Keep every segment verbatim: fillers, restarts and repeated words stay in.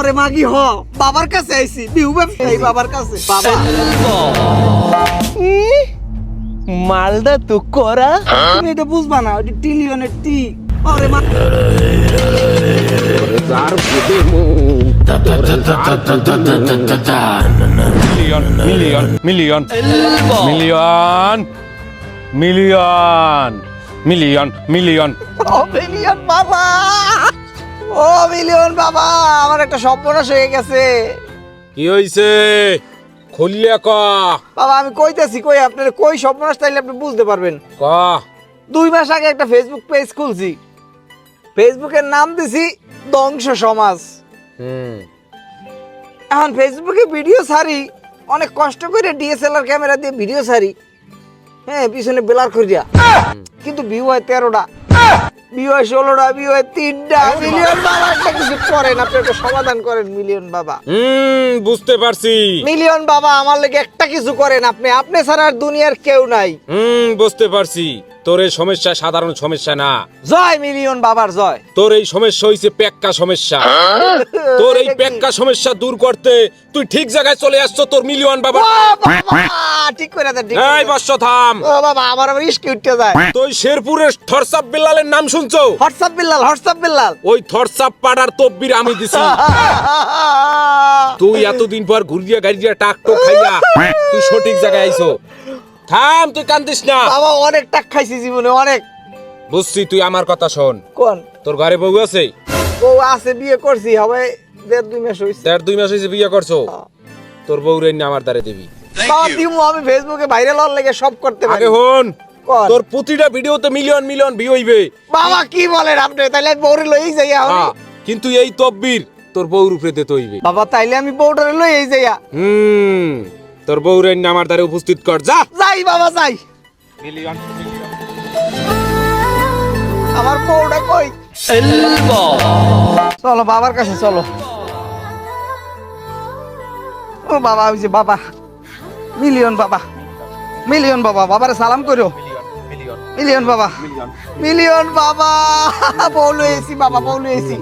আরে মাগি হ বাবার কাছে আইছি বিহু ব্যবসায়ী বাবার কাছে বাবা মালদা তো করা তুমি এটা বুঝবা না ওই টিলিয়নের টি আরে মা million million million million million million million ও মিলিয়ন বাবা ও মিলিয়ন বাবা আমার একটা সর্বনাশ হয়ে গেছে কি হইছে খুলিয়া ক বাবা আমি কইতেছি কই আপনার কই সর্বনাশ তাইলে আপনি বুঝতে পারবেন ক দুই মাস আগে একটা ফেসবুক পেজ খুলছি ফেসবুকের নাম দিছি ধ্বংস সমাজ হুম এখন ফেসবুকে ভিডিও ছাড়ি অনেক কষ্ট করে ডিএসএলআর ক্যামেরা দিয়ে ভিডিও ছাড়ি হ্যাঁ পিছনে বেলার করিয়া কিন্তু ভিউ হয় তেরোটা ভিউ হয় ষোলোটা ভিউ হয় তিনটা মিলিয়ন বাবা একটা কিছু করেন আপনি একটা সমাধান করেন মিলিয়ন বাবা হুম বুঝতে পারছি মিলিয়ন বাবা আমার লেগে একটা কিছু করেন আপনি আপনি ছাড়া আর দুনিয়ার কেউ নাই হুম বুঝতে পারছি তোর এই সমস্যা সাধারণ সমস্যা না জয় মিলিয়ন বাবার জয় তোর এই সমস্যা হইছে পেক্কা সমস্যা তোর এই পেক্কা সমস্যা দূর করতে তুই ঠিক জায়গায় চলে আসছো তোর মিলিয়ন বাবা ও বাবা, ঠিক করে দেন ঠিক করে এই দেন। বর্ষ থাম ও বাবা আমার আবার ইস্কি উঠতে যায় তুই শেরপুরের থরসাপ বিল্লালের নাম শুনছো হোয়াটসঅ্যাপ বিল্লাল হোয়াটসঅ্যাপ বিল্লাল ওই থরসাপ পাড়ার তব্বির আমি দিছি তুই এতদিন পর ঘুরিয়া গাড়িয়া টাক টোক খাইয়া তুই সঠিক জায়গায় আইছো থাম তুই কান্দিস না বাবা অনেক টাক খাইছি জীবনে অনেক বুঝছি তুই আমার কথা শোন কোন তোর ঘরে বউ আছে ও আছে বিয়ে করছি হবে দেড় দুই মাস হইছে দেড় দুই মাস হয়েছে বিয়ে করছো তোর বউ রে আমার দ্বারে দিবি বাবা দিমু আমি ফেসবুকে ভাইরাল হওয়ার লাগে সব করতে পারি আগে হন কোন? তোর প্রতিটা ভিডিওতে মিলিয়ন মিলিয়ন ভিউ হইবে বাবা কি বলেন আপনি তাইলে আমি বউরে লই যাই আমি হ্যাঁ, কিন্তু এই তব্বির তোর বউর উপরে দিতে হইবে বাবা তাইলে আমি বউটারে লই যাইয়া হুম তোর বউ রে আমার দ্বারে উপস্থিত কর যা যাই বাবা যাই মিলিয়ন আমার বউটা কই চলো বাবার কাছে চলো ও বাবা ওই যে বাবা মিলিয়ন বাবা মিলিয়ন বাবা বাবারে সালাম করো মিলিয়ন বাবা মিলিয়ন বাবা বউলো এসি বাবা বউলো এসি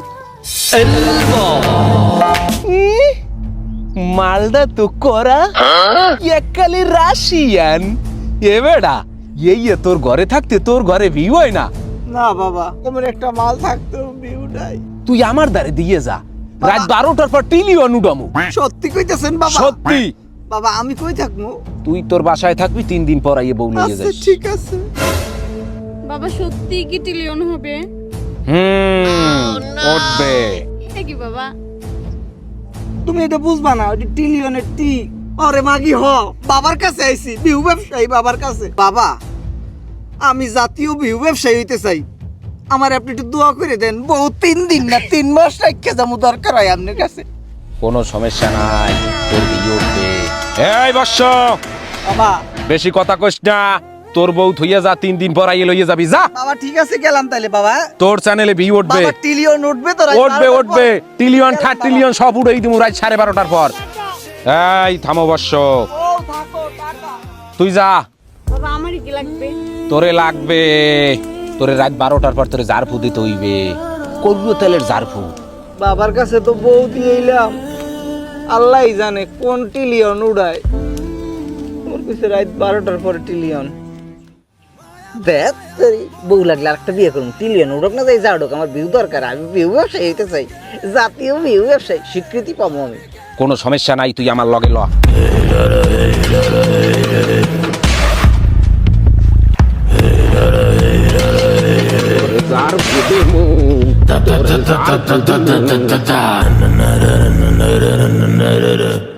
মালদা তো করা একালে রাশিয়ান এ বেড়া এই এ তোর ঘরে থাকতে তোর ঘরে ভিউ হয় না না বাবা তোমার একটা মাল থাকতো ভিউ নাই তুই আমার দ্বারে দিয়ে যা রাত বারোটার পর টিলিয়ন উডামু সত্যি কইতেছেন বাবা সত্যি বাবা আমি কই থাকবো তুই তোর বাসায় থাকবি তিন দিন পর আইয়ে বউ নিয়ে আচ্ছা যাস ঠিক আছে বাবা সত্যি কি টিলিয়ন হবে হুম উঠবে এটা কি বাবা তুমি এটা বুঝবা না ওই টিলিয়নের টি আরে মাগি হ বাবার কাছে আইছি বিহু ব্যবসায়ী বাবার কাছে বাবা আমি জাতীয় বিহু ব্যবসায়ী হইতে চাই আমার আপনি একটু দোয়া করে দেন বহু তিন দিন না তিন মাস রাখতে যাবো দরকার হয় আপনার কাছে কোনো সমস্যা নাই তোর ভিউ উঠবে এই বর্ষ বাবা বেশি কথা কইস না তোর বউ থইয়া যা তিন দিন পর আইয়ে লইয়ে যাবি যা বাবা ঠিক আছে গেলাম তাইলে বাবা তোর চ্যানেলে ভিউ উঠবে বাবা টিলিয়ন উঠবে তো রাত উঠবে বারোটার উঠবে পর? টিলিয়ন গেলাম থার্ড বাবা। টিলিয়ন সব উড়াই দিমু রাত সাড়ে বারোটার পর এই থামো বর্ষ ও থাকো টাটা তুই যা বাবা আমারই কি লাগবে তোরে লাগবে তোরে রাত বারোটার পর তোরে জারফু দিতে হইবে করবো তেলের জারফু বাবার কাছে তো বউ দিয়ে এলাম আল্লাহই জানে কোন টিলিয়ন উড়ায় ওর কাছে রাত বারোটার পরে টিলিয়ন দেখ তোরই বউ লাগলে আরেকটা বিয়ে করুন টিলিয়ন উড়ক না যাই যা উড়ক আমার বিউ দরকার আমি বিউ ব্যবসায়ী হইতে চাই জাতীয় বিউ ব্যবসায়ী স্বীকৃতি পাবো আমি কোনো সমস্যা নাই তুই আমার লগে ল ta ta ta ta ta ta ta ta ta ta